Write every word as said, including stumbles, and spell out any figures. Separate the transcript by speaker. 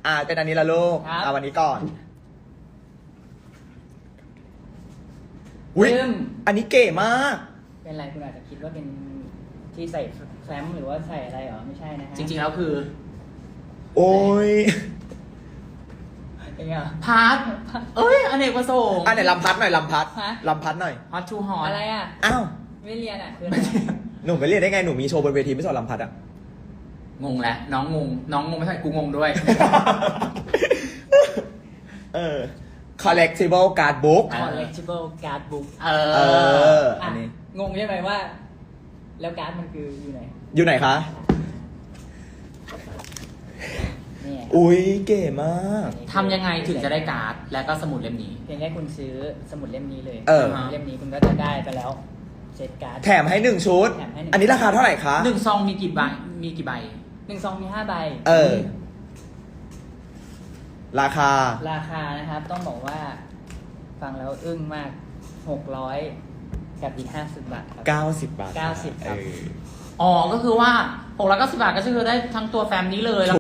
Speaker 1: อ่าเป็นอันนี้ละลูก
Speaker 2: ครับ
Speaker 1: เอาวันนี้ก่อนอุ้ย
Speaker 2: ลืม
Speaker 1: อันนี้เก๋มาก
Speaker 2: เป็นไรคุณอาจจะคิดว่าเป็นที่ใส่แฟ้มหรือว่าใส่อะไรเหรอไม่ใช่นะฮะ
Speaker 3: จริงๆแล้วคือ
Speaker 1: โอ้ย
Speaker 2: เป็นไงอ่ะ
Speaker 3: พาร์ทเอ้ยอเนกประสงค์
Speaker 1: อ่ะไหนลำพัดหน่อยลำพัด
Speaker 2: ฮะ
Speaker 1: ลำพัดหน่อย
Speaker 3: ฮอตทูฮอต
Speaker 2: อะไรอ่ะ
Speaker 1: อ้าว
Speaker 2: ไม่เรียนอ่ะคืออะไร
Speaker 1: หนูไปเรียนได้ไงหนูมีโชว์บนเวทีไม่สอนลำพัดอ่ะ
Speaker 3: งงแล้วน้องงง น้องงงไม่ใช่กูงงด้วย
Speaker 1: เออ collectible card book
Speaker 3: อ่ะ
Speaker 2: collectible card book
Speaker 3: เอ
Speaker 1: เอ
Speaker 3: อ
Speaker 1: อ อั
Speaker 2: อ่ะ
Speaker 1: นนี้
Speaker 2: งงใช่ไหมว่า แล้วการ์ดมันคืออยู่ไหน
Speaker 1: อยู่ไหนคะ
Speaker 2: นี่
Speaker 1: อุ้ยเก๋มาก
Speaker 3: ทำยังไงถึงจะได้การ์ด และก็สมุดเล่มนี้
Speaker 2: เพียงแค่คุณซื้อสมุดเล่มนี้เลย
Speaker 1: เออ
Speaker 2: เล่มนี้คุณก็จะได้ไปแล้วเซตการ์ด
Speaker 1: แถมให้หนึ่งชุด
Speaker 2: แถมให้หนึ่ง
Speaker 1: อันนี้ราคาเท่าไหร่คะ
Speaker 3: หนึ่งซองมีกี่ใบ มีกี่ใบ
Speaker 2: หนึ่งซองมีห้าใบ
Speaker 1: เออ ราคา
Speaker 2: ราคานะครับต้องบอกว่า ฟังแล้วอึ้งมากหกร้อยกับอีกห้าสิบบาทครับ
Speaker 1: เก้าสิบบาท
Speaker 2: เก้าสิบครับ
Speaker 1: เออ
Speaker 3: อ๋อ ก็คือว่าหกร้อยเก้าสิบบาทก็คือได้ทั้งตัวแฟ้มนี้เลย